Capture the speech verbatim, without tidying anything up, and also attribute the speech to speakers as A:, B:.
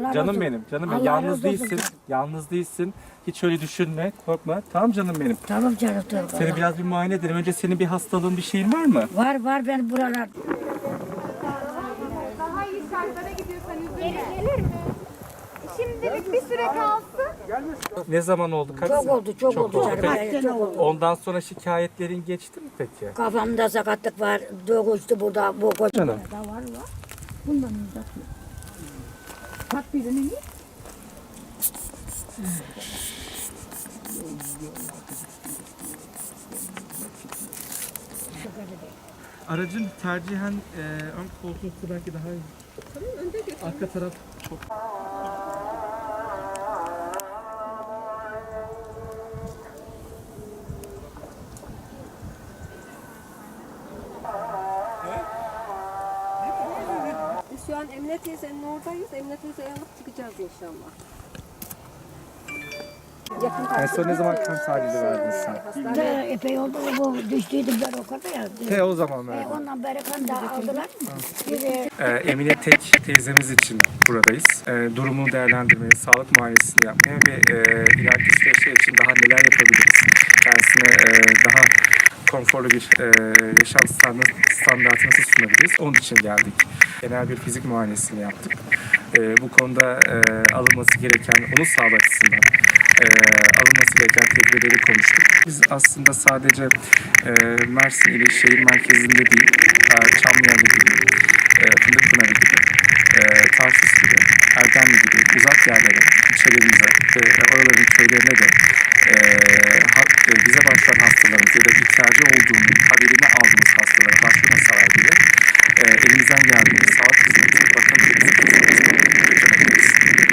A: Allah
B: Canım
A: razı
B: benim, canım benim.
A: Allah
B: Yalnız
A: razı olsun
B: değilsin.
A: canım.
B: Yalnız değilsin. Hiç öyle düşünme, korkma. Tamam canım benim.
A: Tamam canım tamam.
B: Seni biraz bir muayene edelim. Önce senin bir hastalığın, bir şeyin var mı?
A: Var var ben buralar.
C: Daha iyi şartlara gidiyorsan üzülme. Gelir mi? Şimdilik bir süre kalsın.
B: Ne zaman oldu? Kaç
A: Çok
B: sene?
A: oldu çok,
B: Çok
A: oldu
B: oldu.
A: canım.
B: Peki,
A: Evet, çok oldu.
B: ondan sonra şikayetlerin geçti mi peki?
A: Kafamda sakatlık var. Doğuştu burada bu koca.
B: Canım.
A: Da var var. Bundan uzatma. Bak birini.
B: Aracın tercihen e, ön koltuğu belki daha iyi. Tamam, önde götür. Arka taraf çok...
D: Biz şu an Emine teyzenin oradayız. Emine teyzeyi alıp çıkacağız inşallah. Yakın
B: En son ne zaman kan tahlili verdin sen?
A: De, epey oldu bu düştüydüm ben o kadar ya.
B: He, o zaman
A: E,
B: verdin.
A: ondan beri kan da aldılar. Bir de
B: Ee, Emine Tek teyzemiz için buradayız. Ee, durumunu değerlendirmeye, sağlık muayenesini yapmaya ve e, ileriki süreçler için daha neler yapabiliriz? Kendisine e, daha konforlu bir e, yaşam standart, standartı nasıl sunabiliriz? Onun için geldik. Genel bir fizik muayenesini yaptık. E, bu konuda e, alınması gereken, onun sağlığı açısından e, alınması gereken tedbirleri konuştuk. Biz aslında sadece e, Mersin ili şehir merkezinde değil, e, Çamlıyalı gibi, e, Fındıkpınarı gibi, e, Tarsus gibi, Erdemli gibi uzak yerlere, ilçelerimize ve oraların köylerine de